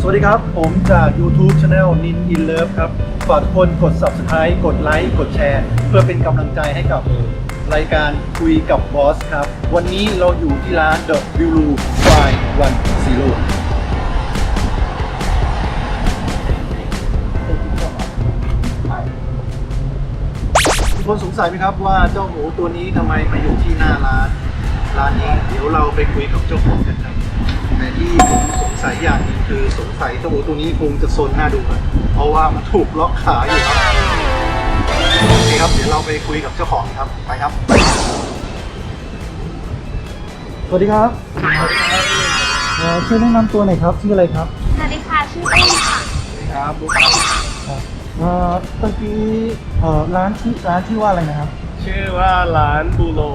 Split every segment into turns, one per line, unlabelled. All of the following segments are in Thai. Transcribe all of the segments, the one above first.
วัสดีครับผมจาก YouTube Channel Nin In Love ครับฝากทุกคนกด Subscribe กดไลค์กดแชร์เพื่อเป็นกำลังใจให้กับรายการคุยกับบอสครับวันนี้เราอยู่ที่ร้าน The Blue Fly 10ทุกคนสงสัยไหมครับว่าเจ้าหมูตัวนี้ทำไมมาอยู่ที่หน้าร้านนี้เดี๋ยวเราไปคุยกับเจ้าของกันครับแต่ที่ผมสงสัยอย่างนึงคือสงสัยเจ้าหมูตัวนี้คงจะซนหน้าดูครับเพราะว่ามันถูกล็อกขาอยู่ครับโอเคครับเดี๋ยวเราไปคุยกับเจ้าของครับไปครับสวัสดีครับช่วยแนะนำตัวหน่อยครับชื่ออะไรครับ
สวัสดีค่ะชื่อเอ้ค่ะ
ครับบุ๊คครับเมื่อกี้ร้านชื่อว่าอะไรนะครับ
ชื่อว่าร้านบูโร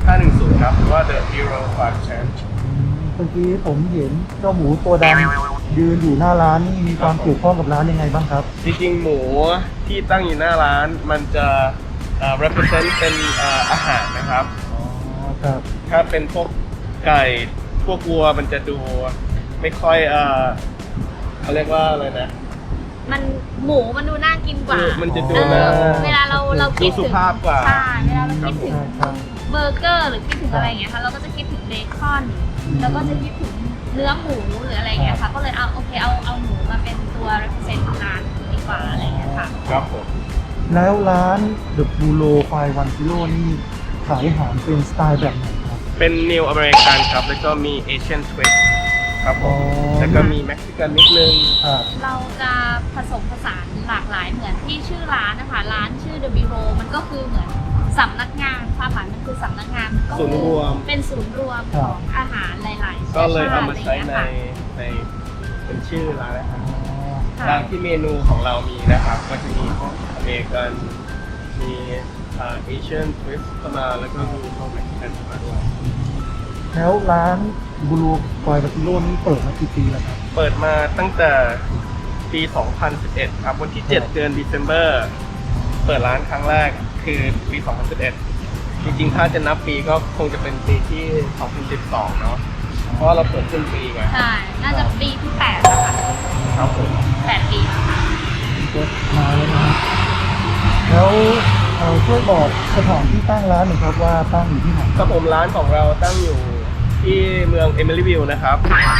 510ครับหรือว่า The Hero Farm Change
เมื่อกี้ผมเห็นเจ้าหมูตัวดำยืนอยู่หน้าร้านนี่มีความเกี่ยวข้องกับร้านยังไงบ้างครับ
จริงๆหมูที่ตั้งอยู่หน้าร้านมันจะrepresent เป็นอาหารนะครับ
อ๋อครับ
ถ้าเป็นพวกไก่พวกวัวมันจะดูไม่ค่อยเขาเรียกว่าอะไรนะ
หมูมันดูน่ากินกว่า
มันจะดูน่า
เวลาเราคิด
ดูสุ
ถึง
ภาพกว่า
ใช่เวลาเราคิดถึง
ครับ
เบอร์เกอร์หรือคิดถึงอะไรอย่างเงี้ยค่ะเราก็จะคิดถึงเบคอนแล้วก็จะคิดถึงเนื้อหมูหรืออะไรอย่างเงี้ยค่ะก็เลยเอาโอเคเอาหมูมาเป็นตัว represent ของร้านดีกว่าอะไรอย่างเงี้ยค่ะ
ครับผม
แล้วร้าน The Blue Fly 10นี่ขายอาหารเป็นสไตล์แบบไหนครับ
เป็น New American ครับแล้วก็มี Asian Twist ครับผมแล้วก็มี Mexican นิดนึง
ครับ
เราจะผสมผสานหลากหลายเหมือนที่ชื่อร้านนะคะร้านชื่อ The Bureau มันก็คือเหมือนสำนักงานความหมายมันคือสำนักงานก็
ศูนย์รวม
เป็นศูนย์รวมของอาหารหลายๆ
ก็เลยเอามาใช้
ชติ
ใน
อะไรอย่างเงี้ยค่ะ
ในเป็นชื่อร้านนะครับ
ค่ะ
ร้านที่เมนูของเรามีนะครับก็จะมีพวกอเมริกันมีเอเชียนทวิสต์เข้ามาแล้วก็มีพวกเม็กซิกันเข้ามาด้วย
แล้วร้าน Blue Fly 10นี่เปิดมากี่ปีแล้วครับ
เปิดมาตั้งแต่ปี 2011 ครับวันที่ 7 เดือน December เปิดร้านครั้งแรกคือปี 2011 จริงๆ ถ้าจะนับปีก็คงจะเป็นปีที่ 2012 เนาะเพราะว่าเราเปิดครึ่งปีไง
ใช่น่าจะปีที่8แล้วค่ะ
ครับผม
8 ปีแล้วค่ะ
ก็มาแล้วนะครับแล้วช่วยบอกสถานที่ตั้งร้านหน่อยครับว่าตั้งอยู่ที่ไหน
ครับผมร้านของเราตั้งอยู่ที่เมือง Emeryville นะครับ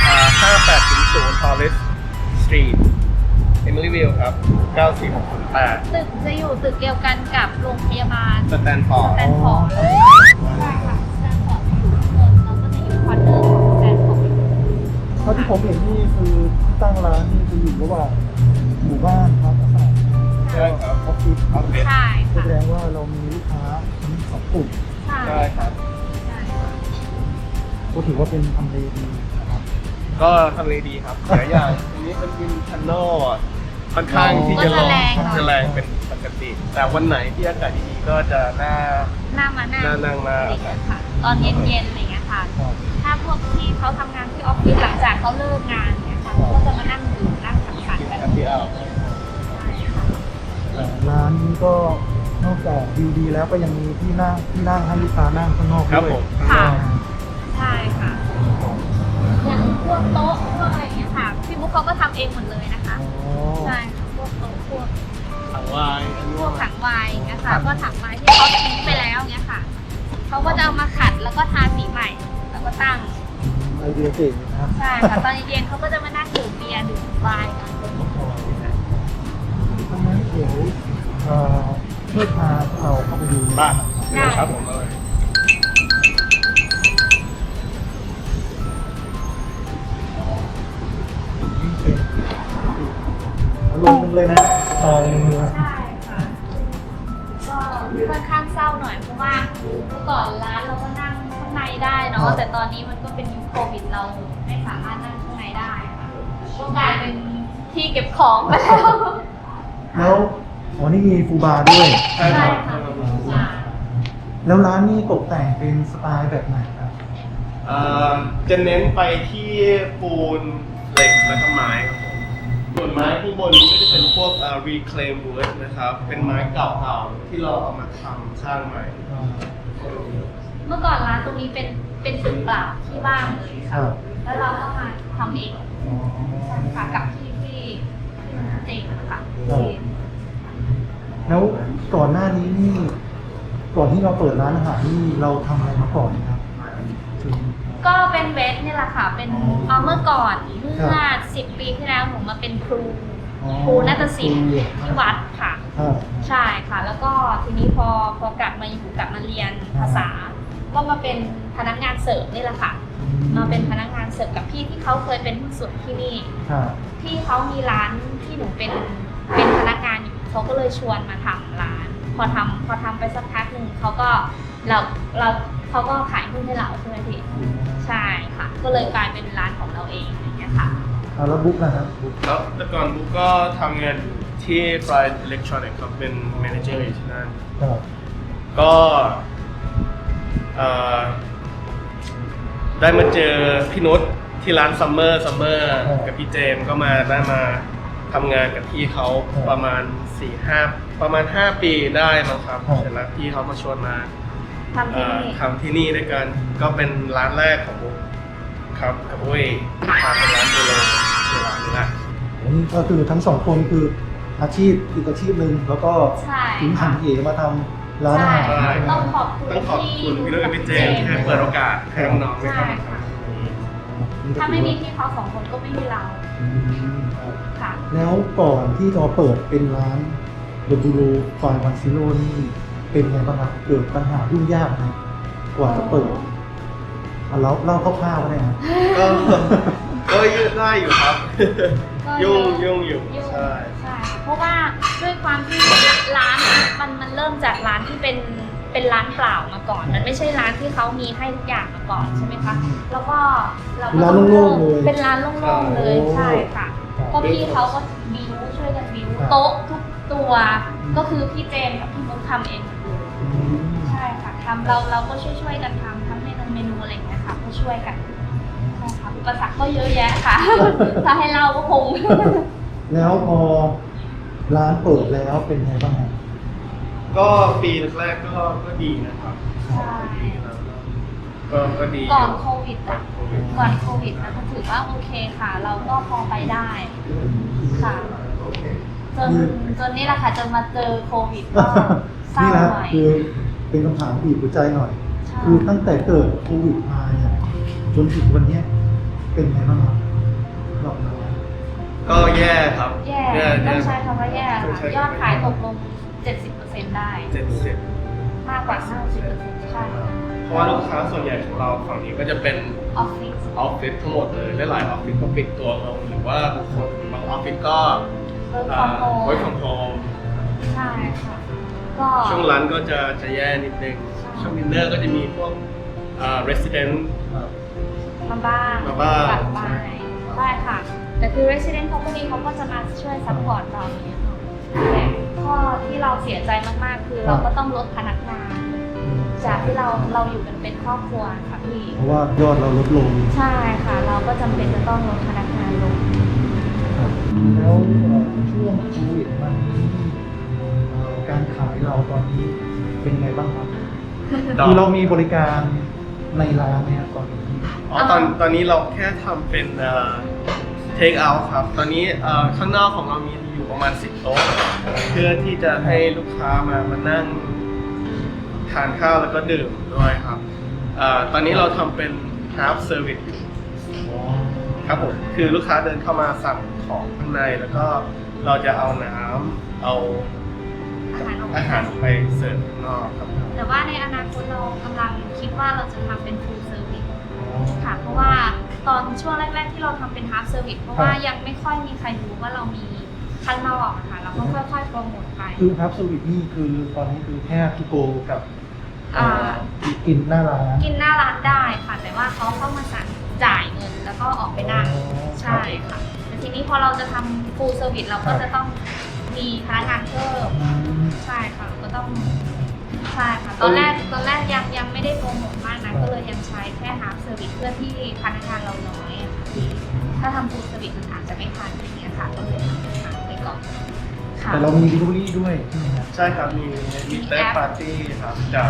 5800 Torres Street Emeryville ครับ 94608
ตึกจะอยู่ตึกเดียวกันกับโรงพยาบาล
สแตนฟอร์ด
สแตนฟอร์ดใช่ค่ะสแตนฟอร์ดอยู่ข้างบนเราก็จะอยู่คอร์เนอร์ของสแตนฟอร์ด
เท่าที่ผมเห็นนี่คือที่ตั้งร้านนี่จะอยู่ระหว่างหมู่บ้านครับอาคาร
ใช่ครับ
ออฟฟิศครับ
ใช่
แส
ค่ะ
ดงว่าเรามีลูกค้าทั้งสองกลุ่ม
ใช่
ใช่ครับ
ใช่ค่ะ
ก็ถือว่าเป็นทำเลดีนะครับ
ก็ทำเลดีครับหลายอย่างอันนี้เป็นวินทันโนค่อนข้างที่จะลงจะแรงเป็นปกติ แต่วันไหนที่อากาศดีๆก็จะน่า
หน้ามานั่ง
นั่งมา
อะไรอย่างเงี้ยค่ะ ตอนเย็นๆอะไรอย่างเงี้ยค่ะ
ครับ
ถ้าพวกที่เขาทำงานที่ออฟฟิศหลังจากเขาเลิกงานเนี่ยค่ะเขาก็จะมานั่งดื่มนั่งสังสรรค์กัน
แฮปปี้เอา
ใช่ค่ะ
ร้านนี้ก็นอกจากวิวดีแล้วก็ยังมีที่นั่งให้ลูกค้านั่งข้างนอก
ครับ
ด้วย
ผม
ค่ะ ใช่ค่ะ อย่างพวกโต๊ะพวกอะไรอย่างเงี้ยค่ะ พี่มุกเขาก็ทำเองหมดเลยนะคะ
อ๋อ
ใช่ค่ะพวกโต๊ะพวก
ถังวาย
พวกถังไวน์อย่างเงี้ยค่ะ ก็ถังไวน์ที่เขาทิ้งไปแล้วเงี้ยค่ะ เขาก็จะเอามาขัดแล้วก็ทาสีใหม่ แล้วก็ตั้ง
ไอเดียเจ๋งนะครับ
ใช่ค่ะ ตอนเย็นๆเขาก็จะมานั่งดื่มเบียร์ดื่มไวน์กัน
เพราะฉะนั้นเดี๋ยวช่วยพาเราเข้าไปดู
บ้านครับผมเลย
นี่เป็นอารมณ์เลยนะตอนนี้
ใช่ค่ะ ก็ค่อนข้างเศร้าหน่อยเพราะว่าเมื่อก่อนร้านเราก็นั่งข้างในได้เนาะ แต่ตอนนี้มันก็เป็นยุคโควิดเราไม่สามารถนั่งข้างในได้ค่ะก็กลายเป็นที่เก็บของไปแล้ว
แล้วอ๋อนี่มีฟูบาร์ด้วย
ใช่ครับ
ค่ะ
แล้วร้านนี้ตกแต่งเป็นสไตล์แบบไหนครับ
จะเน้นไปที่ปูนเหล็กและก็ไม้ครับผมส่วนไม้ข้างบนก็จะเป็นพวกreclaim wood นะครับ เป็นไม้เก่าๆที่เราเอามาทำสร้างใหม่
เมื่อก่อนร้านตรงนี้เป็นตึกเปล่าที่ว่างเลย
ครั
ค่ะ
บ
แล้วเราก็มาทำเอง
อ๋อ
ใช่ค่ะกับที่เองค่ะ
แล้วก่อนหน้านี้นี่ก่อนที่เราเปิดร้านอาหารนี่เราทำอะไรมาก่อนครับ
ก็เป็นเวทเนี่ยแหละค่ะ เป็น
อ๋อ
เมื่อก่อนเมื่
ครั
อบ 10 ปีที่แล้วหนูมาเป็นครู
อ๋อ
ครูนาฏศิลป์ที่วัดค่ะ
ครับ
ใช่ค่ะ แล้วก็ทีนี้พอกลับมาเรียนภาษา ก็มาเป็นพนักงานเสิร์ฟนี่แหละค่ะ มาเป็นพนักงานเสิร์ฟกับพี่ที่เขาเคยเป็นหุ้นส่วนที่นี่
ครับ
ที่เขามีร้านที่หนูเป็นพนักงานอยู่เขาก็เลยชวนมาทำร้าน พอทำไปสักพักหนึ่งเขาก็เขาก็ขายหุ้นให้เราใช่ไหมพี่ใช่ค่ะ ก็เลยกลายเป็นร้านของเราเองอย่างเงี้ยค่ะ
เอาแล้วบุ๊กนะครับบุ๊ก
แล้วแต่ก่อนบุ๊กก็ทำงานที่ Pride Electronics ครับเป็น manager อยู่ที่นั่น
ครับ
ก็ได้มาเจอพี่นุชที่ร้านซัมเมอร์กับพี่เจมส์ก็ได้มาทำงานกับพี่เขาประมาณ 5 ปีได้มั้งครับเสร็จแล้วพี่เขาก็ชวนมา
ทำที่นี่
ทำที่นี่ด้วยกันก็เป็นร้านแรกของบุ๊กครับกับอุ้ยพาเป็นร้านโบราณในร้านนี้แหละ
นี่ก็คือทั้งสองคนคืออาชีพอีกอาชีพหนึ่งแล้วก็
ใช่
ถึงหันเหมาทำร้านอาหาร
ใช่
ใช่ไหม
ต้องขอบคุณ
ต้องขอบคุณพี่นุชกับพี่เจมส์ที่ให้เปิดโอกาสให้น้องๆได้เข้ามาทำตรงนี้
ถ้าไม่มีพี่เขาสองคนก็ไม่มีเรา
อืมครับ
ค่ะ
แล้วก่อนที่จะเปิดเป็นร้านเดอะบูโรฟายวันซิโร่นี่เป็นไงบ้างครับเกิดปัญหายุ่งยากไหมกว่าจะเปิดเอาเล่าคร่าวๆก็ได้ครับ
ก็ยืดได้อยู่ครับ
ก็เย
ยุ่
อะ
งอยู่
ยุ่ง
ใช่
ใช่เพราะว่าด้วยความที่ร้านมันเริ่มจากร้านที่เป็นร้านเปล่ามาก่อน มันไม่ใช่ร้านที่เขามีให้ทุกอย่างมาก่อนใช่ไหมคะแล้วก็เราก็
ร้าน
ต้อง
โล่งๆเลย
เป็นร้านโล่งๆเลย
โอ้
ใช่ค่ะ
ครับ
ก็พี่เขาก็บิวช่วยกันบิว
ครับ
โต๊ะทุกตัวก็คือพี่เจมส์กับพี่มุกทำเองหมดเลย
อืม
ใช่ค่ะทำเราก็ช่วยกันทำทั้งเมนูอะไรอย่างเงี้ยค่ะก็ช่วยกันใช่ค่ะอุปสรรคก็เยอะแยะค่ะ ถ้าให้เล่าก็คง
แล้วพอร้านเปิดแล้วเป็นไงบ้างครับ
ก็ปีแรกๆก็ดีนะครับ
ใช่
ปีแล้วก็ดี
ก่อนโควิดอ่ะก่อนโควิดนะก็ถือว่าโอเคค่ะ เราก็พอไปได้ค่ะจนนี่แหละค่ะจนมาเจอโควิดก็เศร้า
นี่นะ
หน่อย
คือเป็นคำถามบีบหัวใจหน่อย
ใช่
คือตั้งแต่เกิดโควิดมาเนี่ยจนถึงวันเนี้ยเป็นไงบ้างครับรอบนั้น
ก็แย่ครับ
แย่ต้องใช้คำว่าแย่ค่ะยอดขายตกลง 70%ได้
70
มากกว่า 50%ใช่ค่ะ
เพราะว่าลูกค้าส่วนใหญ่ของเราฝั่งนี้ก็จะเป็น
ออฟฟิศ
ออฟฟิศทั้งหมดเลยหลายๆออฟฟิศก็ปิดตัวลงหรือว่าบางคนบางออฟฟิศก็
work from home
work from home
ใช่ค่ะ ก็
ช่วงร้านก็จะแย่นิดนึง
ใช่
ช่วงดินเนอร์ก็จะมีพวกresident
มาบ้าง
มาบ้าง
กลับไปได้ค่ะ แต่คือ resident company เขาก็จะมาช่วยซัพพอร์ตเราอย่างเงี้ยค่ะแต่ข้อที่เราเสียใจมากๆ คือเราก็ต้องลดพนักงาน จากที่เราอยู่กันเป็นครอบครัวค่ะพี่
เพราะว่ายอดเราลดลง
ใช่ค่ะ เราก็จำเป็นจะต้องลดพนักงานลง
ครับแล้วช่วงโควิดมานี้การขายเราตอนนี้เป็นไงบ้างครับคือเรามีบริการในร้านเนี่ยตอนนี้
ตอนนี้เราแค่ทำเป็นtake out ครับ ตอนนี้ข้างนอกของเรามีอยู่ประมาณ 10 โต๊ะ เพื่อที่จะให้ลูกค้ามานั่งทานข้าวแล้วก็ดื่มด้วยครับตอนนี้เราทำเป็น half service อยู่ครับผม คือลูกค้าเดินเข้ามาสั่งของข้างในแล้วก็เราจะเอาน้ำเอา อาหารไปเสิร์ฟข้างนอกครับ
แต่ว่าในอนาคตเรากำลังคิดว่าเราจะทำเป็น full service ค่ะ เพราะว่าตอนช่วงแรกๆที่เราทำเป็น half service เพราะว่ายังไม่ค่อยมีใครรู้ว่าเรามีข้างนอกอะค่ะ เราก็ค่อยๆโปรโมทไป
คือครับสวิตนี่คือตอนนี้คือแค่ทูโกกับ
อ่า
กินหน้าร้าน
กินหน้าร้านได้ค่ะ แต่ว่าเขาเข้ามาสั่งจ่ายเงินแล้วก็ออกไปนั่ง
อ๋อ
ใช่ค่ะ แต่ทีนี้พอเราจะทำ full service เราก็จะต้องมีพนักงานเพิ่ม
อืม
ใช่ค่ะก็ต้องใช่ค่ะตอนแรกยังไม่ได้โปรโมทมากนะก็เลยยังใช้แค่ half service เพื่อที่พนักงานเราน้อยอะค่ะพี่ถ้าทำ full service มันอาจจะไม่ทันอย่างเงี้ยค่ะก็เลยทำเป็น half ไปก่อนค่ะ
แต่เรามี delivery ด้วยใช่ไหมครับ
ใช่ครับ มีเต้ปาร์ตี้ครับจาก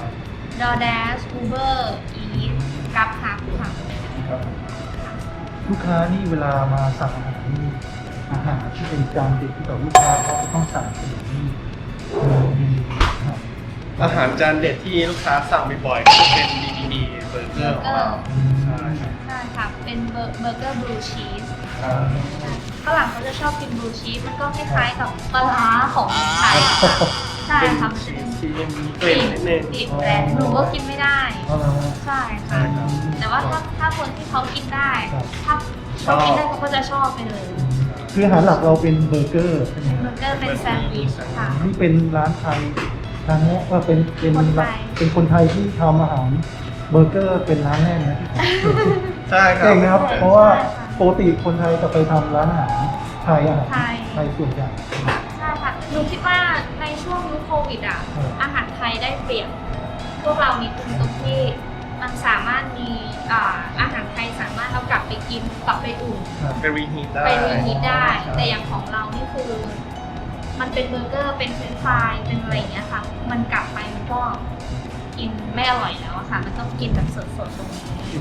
DoorDash Uber Eats Grab Hub ค่ะ
ครับ
ลูลูกค้านี่เวลามาสั่งอาหารนี่อาหารที่เป็นจานเด็ดที่ต่อลูกค้าเขาจะต้องสั่งเป็นอย่างนี้มีครับ
อาหารจานเด็ดที่ลูกค้าสั่งบ่อยๆก็จะเป็น BBB เบอร์เกอร์ของเราใช่ครับ
ใช่ค่ะ เป็นเบอร์เกอร์บลูชีส
อ่า
ฝรั่งเขาจะชอบกินบลูชีส มันก็คล้ายๆกับปลาร้าของไทยอะค่ะใช่
เป็น
ค่ะ
ชีสที่ยังมีกลิ่นนิดนึง
กลิ่นแรงหนูก็กินไม่ได้
เอาละฮะ
ใช่ค่ะ แต่ว่าถ้าคนที่เขากินได้ ถ้าเขากินได้เขาก็จะชอบไปเลย
คืออาหารหลักเราเป็นเบอร์เกอร์ใช่ไหม
เบอร์เกอร์เป็นแซนด์วิชค่ะ
นี่เป็นร้านไทยร้านนี้ว่าเป็น
คนไทย
เป็นคนไทยที่ทำอาหารเบอร์เกอร์เป็นร้านแรกนะที่
ใช่ครับ
เก่งนะครับ เพราะว่าปกติคนไทยจะไปทำร้านอาหารไทยอาหาร
ไทย
ไทยส่วนใหญ่
ใช่ค่ะ หนูคิดว่าในช่วงยุคโควิดอ่ะ อาหารไทยได้เปรียบพวกเรานิดนึงตรงที่มันสามารถมีอาหารไทยสามารถเอากลับไปกินกลับไปอุ่น
ครับ
ไปรีฮีทได้
ไปรีฮีทได้ แต่อย่างของเรานี่คือ มันเป็นเบอร์เกอร์เป็นเฟรนช์ฟรายเป็นอะไรอย่างเงี้ยค่ะ มันกลับไปมันก็กินไม่อร่อยแล้วอะค่ะ มันต้องกินแบบสดๆตรงนี้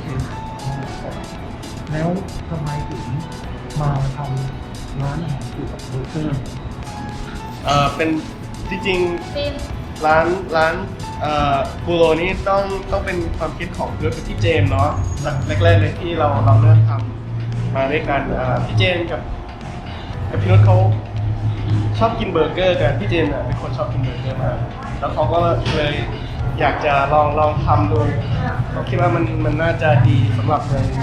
แล้วทำไมถึงมาทำร้านอาหารเกี่ยวกับเบอร์เกอร์
เป็นจริง
เป็น
ๆร้านบูโรนี่ต้องเป็นความคิดของเพื่อนพี่เจมส์เนาะแรกๆเลยที่เราเริ่มทำมาด้วยกันพี่เจมส์กับพี่นุชเขาชอบกินเบอร์เกอร์กันพี่เจมส์เป็นคนชอบกินเบอร์เกอร์มากแล้วเขาก็เลยอยากจะลองทำดูเขาคิดว่ามันน่าจะดีสำหรับเมือง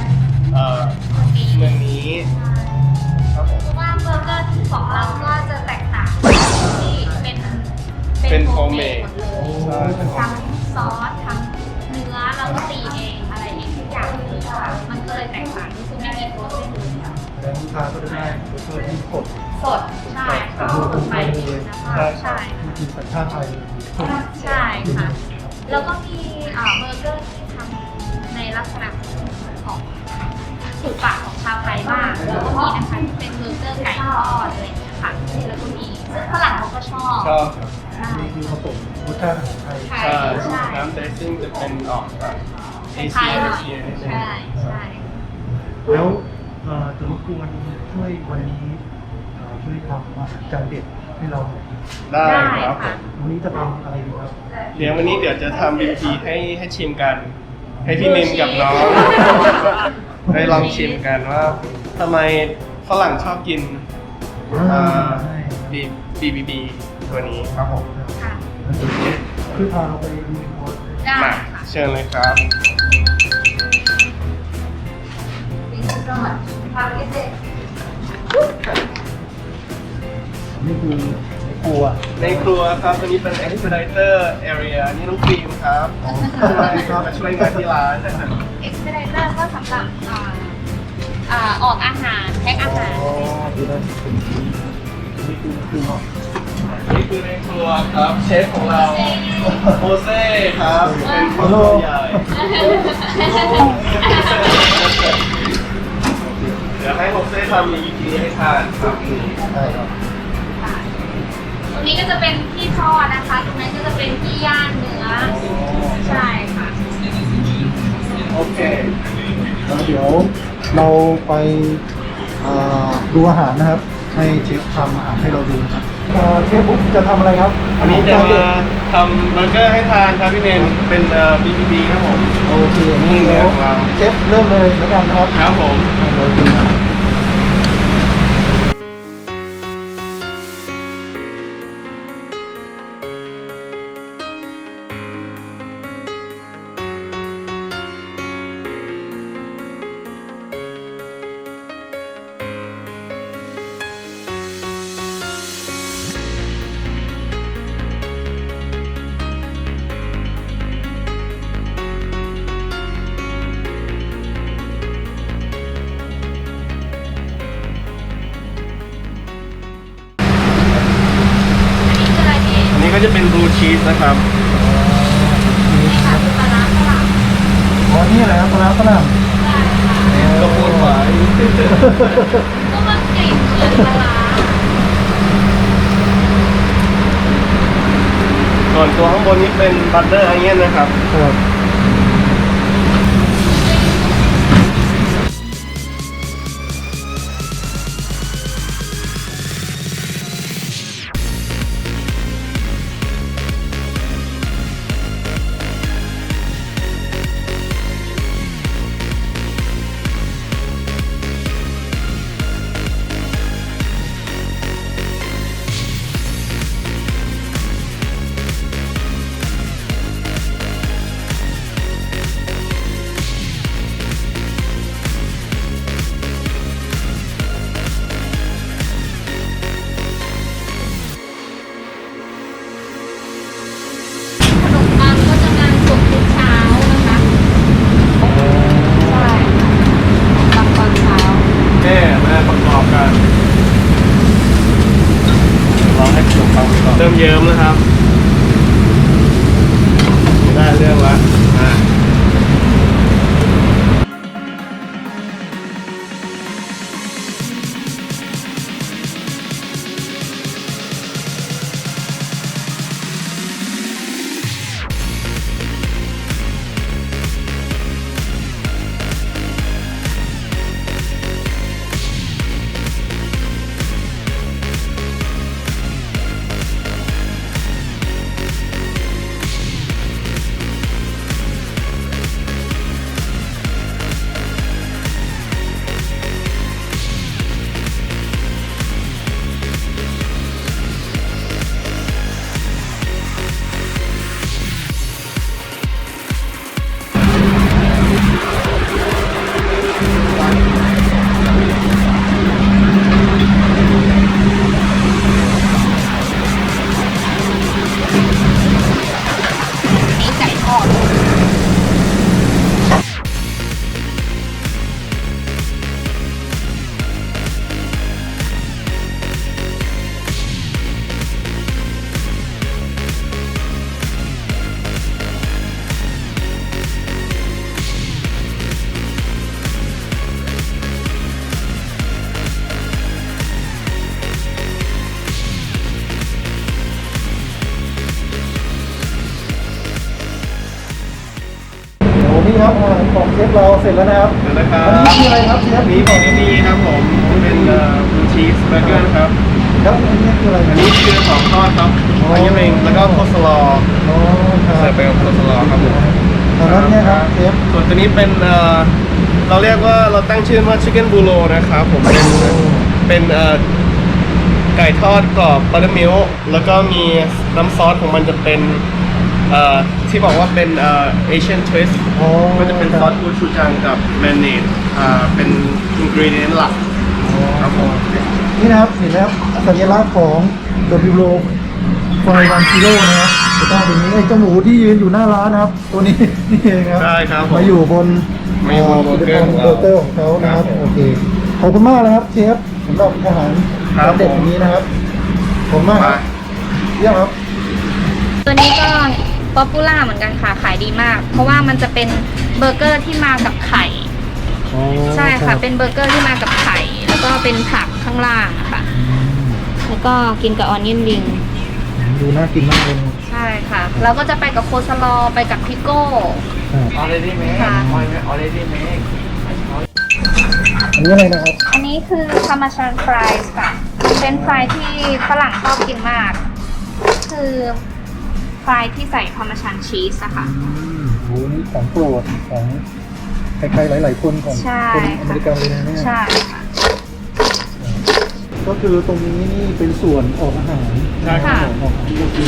นี้ครับผม
เพราะว่าเบอร์เกอร์ของเราก็จะแตกต่างที่เป็น
โฮ
โฮ
ม
ม
เม
เม
ด
ดหมดเลย
ใช่เป็น
ทั้งซอสทั้งเนื้อเราก็ตีเองอะไรเองทุกอย่างเลยค่ะมันก็เลยแตกต่างก็คือไม่มีโปรเซสเลยค่ะ
แล้วลูกค้าก็จะได้เบอร์เกอร์ที่สด
สดใช่ค่ะสดใหม่นะคะใช่
มีสัญชาติไทยเลย
ใช่ค่ะ แล้วก็มีเบอร์เกอร์ที่ทำในลักษณะของถูกปากของชาวไทยมากแล้วก็มีนะคะที่เป็นเบอร์เกอร์ไก่ทอดอะไรอย่างเงี้ยค่ะแล้วก็มีซึ่งฝรั่งเขาก็ชอบ
ชอบครับ
ใช่
นี่คือผสมรสชาติอาหารไทย
ใช่
ใช่น้ำเดซซิ่งจะเป็นออกแบบเอ
ไท
เชี
ย
ย
หน่อย
นิดนึง
ใช่ใช่
แล้วจะรบกวนช่วยวันนี้ช่วยทำอาหารจานเด็ดให้เราหน่อย
ได้ครับ
ค่ะ
วันนี้จะทำอะไรดีครับ
เดี๋ยววันนี้เดี๋ยวจะทำบีพีให้ชิมกัน ให้พี่มินกับน้องได้ลองชิมกันว่าทำไมฝรั่งชอบกินBBB ตัวนี้ครับผม
ค่ะ
คือพาเราไปดูโพสต์
ได้
มา
ค่ะ
เชิญเลยครับ
นี่คือครัว
ในครัวครับตัวนี้เป็น expediter area นี่น้องครีมครับมาช่วยงานที่ร้านนะครับ
เอ็กซ์เพรสเตอร์ก็สำหรับออกอาหารแพ็คอาหาร
ดูนะนี่คือเนาะ
นี่คือในครัวครับเชฟของเราโฮเซ่ครับเป็นคนตัวใหญ่เดี๋ยวให้โฮเซ่ทำอีกทีให้ทานครับ
ใช่ครับ
ตรงนี้ก็จะเป็นที่ทอดนะคะ ตรงนั้นก็จะเป็นที่ย่างเนื้อ ใช่ค่ะ
โอเค
แล้วเดี๋ยวเราไปดูอาหารนะครับ ให้เชฟทำอาหารให้เราดูนะครับเชฟบุ๊กจะทำอะไรครับ
วันนี้จะมาทำเบอร์เกอร์ให้ทานครับพี่เนนเป็น BBB ครับผม
โอเคนี่เดี๋ยวเชฟเริ่มเลยแล้วกันนะครับ
ครับผม
เราดูนะ
อันนี้คืออะไรพี่
อันนี้ก็จะเป็นบลูชีสนะครับ
นี่ค่ะคือปลาร้าฝรั่ง
อ๋อนี่อะไรครับปลาร้าฝรั่ง
ใช่ค่ะ
กระปุกฝาย
ก็มันกลิ่นเหมือนปลาร้า
ส่วนตัวข้างบนนี้เป็นบัตเตอร์ไอเงี้ยนะครับ
ครับ
เริ่มเยิ้มแล้วครับได้เรื่องละ
นี่ไก่ทอด
โอ้พี่ครับอาหารของเชฟเราเสร็จแล้วนะครับ
เดี๋ยวนะครับ
อันนี้คืออะไรครับเชฟ
อันนี้ของที่นี่ครับผมเป็นบูชีสเบอร์เกอร์ครับ
แล้วอันนี้คืออะไร
อันนี้คือของทอดครับอันนี้เองแล้วก็โคสลอ
อ๋อครับ
เสิร์ฟไปกับโคสลอครับผม
อันนั้นเนี่ยครับเชฟ
ส่วนตัวนี้เป็นเราเรียกว่าเราตั้งชื่อว่าชิคเก้นบูโรนะครับผมเป็นไก่ทอดกรอบบัตเตอร์มิลค์แล้วก็มีน้ำซอสของมันจะเป็นที่บอกว่าเป็นเอเชียนทวิสต์
อ๋อ
ก็จะเป็นซอสกูชูจังกับแมนเนดเป็นอินกรีเดียนหลักครับผม
นี่นะครับเห็นแล้วสัญลักษณ์ของ W Roll ไฟวันซิโร่นะครับจะต้องเป็นนี้ไอ้เจ้าหมูที่ยืนอยู่หน้าร้านนะครับ ตัวนี้ นี่เองครับ
ใช่ครับผม
มาอยู่บน
มาอยู่บนเบอร์เกอร์ของเรา
เบอร์เกอร์ของเขานะครับ
ครับผม
โอเคขอบคุณมากนะครับเชฟสำหรับอาหาร
ครับ
จานเด็ดอย่างนี้นะครับขอบคุณมากครับเยี่ยมครับ
ตัวนี้ก็ป๊อปปูล่าเหมือนกันค่ะขายดีมาก เพราะว่ามันจะเป็นเบอร์เกอร์ที่มากับไข่ ใช่ค่ะ เป็นเบอร์เกอร์ที่มากับไข่ แล้วก็เป็นผักข้างล่างอะค่ะ แล้วก็กินกับออนเนียนริง
ดูน่ากินมากเลย
ใช่ค่ะ แล้วก็จะไปกับโคสลอไปกับพิโก้
already made
ค่ะ
already made
อันนี้อะไรนะครับ
อันนี้คือพาร์มาชานฟรายส์ค่ะ เป็นฟรายที่ฝรั่งชอบกินมาก คือฟรายที่ใส่พาร์มาชานชีสอะค่ะ
โหนี่ของโปรดของใครๆหลาย ๆ คนของ
ใช่
คนอเมริกันเลยนะเนี่ย
ใช่ค่ะ
ก็คือตรงนี้นี่เป็นส่วนออกอาหาร
ใช่ครับ
ออกอาหารก็คือ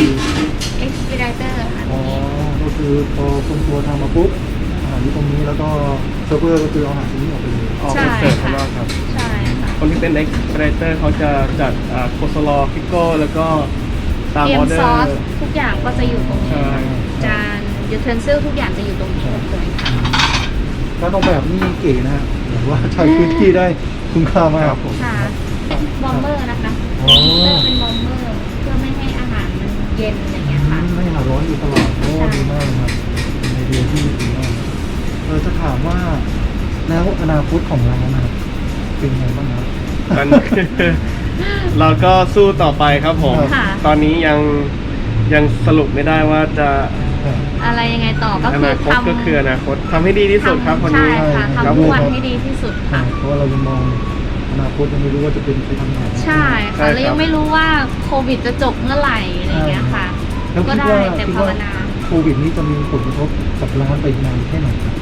expeditor ค่ะ
อ๋อก็คือพอคนตัวทำมาปุ๊บอาหารที่ตรงนี้แล้วก็เซิร์ฟเวอร์ก็คือเอาอาหารตรงนี้ออกไปเลย
ออกมาเสิร์ฟข้างนอกครับ
ใช่ค่ะ
คนที่เป็น expeditor เขาจะจัดโคสลอพิโก้แล้วก็ตาม
เตรีย
อ
ม
อเดอ
ซอส
ร์
ทุกอย่างก็จะอยู่ตรงนี้
ใช่
จานยูเทนซิลทุกอย่างจะอยู่ตรงนี้หมดเลยค่ะ
การออกแบบนี่เก๋นะฮะแบบว่าใช้พื้นที่ได้คุ้มค่ามาก
ครับผม
ค่ะเป็นบอมเบอร์นะคะ
อ๋อ
เลือกเป็นบอมเบอร์เพื่อไม่ให้อาหารมันเย็นอะไรเงี้ยค่ะ
ไม่หาร้อนอยู่ตลอดโอ้
ใช่
ดีมากเลยครับเป็นไอเดียที่ดีมากจะถามว่าแล้วอนาคตของร้านนะครับเป็นไงบ้างครับ
ตอนนี้เราก็สู้ต่อไปครับผม
ค่ะ
ตอนนี้ยังสรุปไม่ได้ว่าจะ
อะไรยังไงต่อก็
อ
คือ
นาคต
ทำ
ก็คืออนาคตทำให้ดีที่สุดครับวัน
ใช่
นี้
ค่ะ
ครับ
ทำทุกวันให้ดีที่สุดค่ะ
เพราะว่าเรายังมองอนาคตยังไม่รู้ว่าจะเป็นไปทางไหน
ใช่ค่ะแล้วยังไม่รู้ว่าโควิดจะจบเมื่อไหร่อะไรเงี้ยค่ะ
แล้ว
ก็
คิด
ได้
ว่า
แต่
คิด
ภาว
ว่า
นา
โควิดนี้จะมีผลกระทบกับร้านไปนานแค่ไหนครับ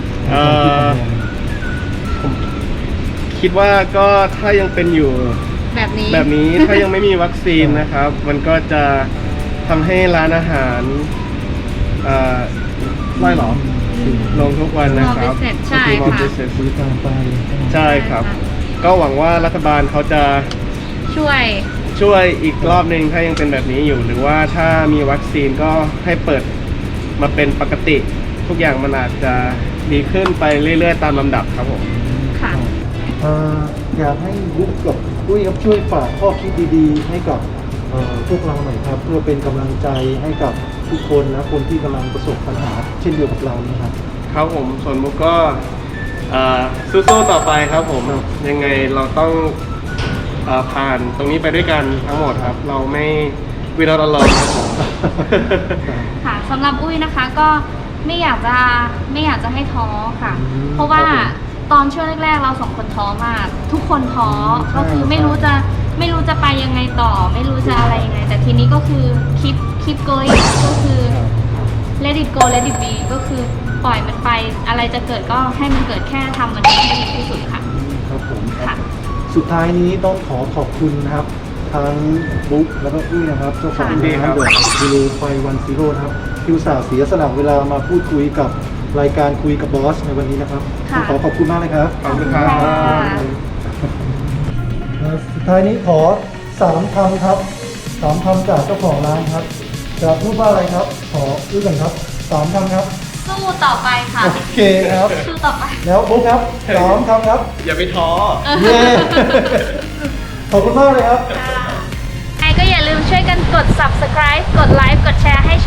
ผมคิดว่าก็ถ้ายังเป็นอยู่
แบบนี้
แบบนี้ ถ้ายังไม่มีวัคซีนนะครับ มันก็จะทำให้ร้านอาหารไม่หรอลงทุกวันนะครับ
Small business ใช่
Small
ค่ะ
business
บริการไป
ใช่ครับ ก็หวังว่ารัฐบาลเขาจะ
ช่วย
อีกรอบหนึ่งถ้ายังเป็นแบบนี้อยู่ หรือว่าถ้ามีวัคซีนก็ให้เปิดมาเป็นปกติ ทุกอย่างมันอาจจะดีขึ้นไปเรื่อยๆ ตามลำดับครับผม
ค่ะ
อยากให้บุ๊กกับปุ้ยครับช่วยฝากข้อคิดดีๆ ให้กับพวกเราหน่อยครับเพื่อเป็นกำลังใจให้กับทุกคนและคนที่กำลังประสบปัญหาเช่นเดียวกับเรานี่ครับ
ครับผมส่วนมุกก็สู้ๆต่อไปครับผม
ครับ
ยังไงเราต้องผ่านตรงนี้ไปด้วยกันทั้งหมดครับ เราไม่วินาทีละครับผม
ค่ะสำหรับอุ้ยนะคะก็ไม่อยากจะให้ท้อค่ะ
อืม
เพราะว่า
ครับผม
ตอนช่วงแรกๆเราสองคนท้อมาก ทุกคนท้อ
ใช่
ก็คือไม่รู้จะไปยังไงต่อ ไม่รู้จะอะไรยังไง แต่ทีนี้ก็คือkeep going ก็คือ let it go let it be ก็คือปล่อยมันไปอะไรจะเกิดก็ให้มันเกิดแค่ทำมันให้ดีที่สุดค่ะ
ครับผม
ค่ะ
สุดท้ายนี้ต้องขอบคุณนะครับทั้งบุ๊กแล้วก็อุ้ยนะครับเจ้าของ
ดีครั
ร้าน
บ
เดอะกิโลไฟวันซีโร่นะครับที่อุตส่าห์เสียสละเวลามาพูดคุยกับรายการคุยกับบอสในวันนี้นะครับ
ค่ะ
ขอบคุณมากเลยครับ
ขอบคุณครับ
สุดท้ายนี้ขอ3คำครับ3คำจากเจ้าของร้านครับจะพูดว่าอะไรครับ ขออื้อกันครับ3คำครับ
สู้ต่อไปค่ะ
โอเคครับ
สู้ต่อไป
แล้วบุ๊กครับ3คำครับ
อย่าไปท้อ
เย้ ขอบคุณมากเลยครับ
ใครก็อย่าลืมช่วยกันกด subscribe กดไลค์ กดแชร์ให้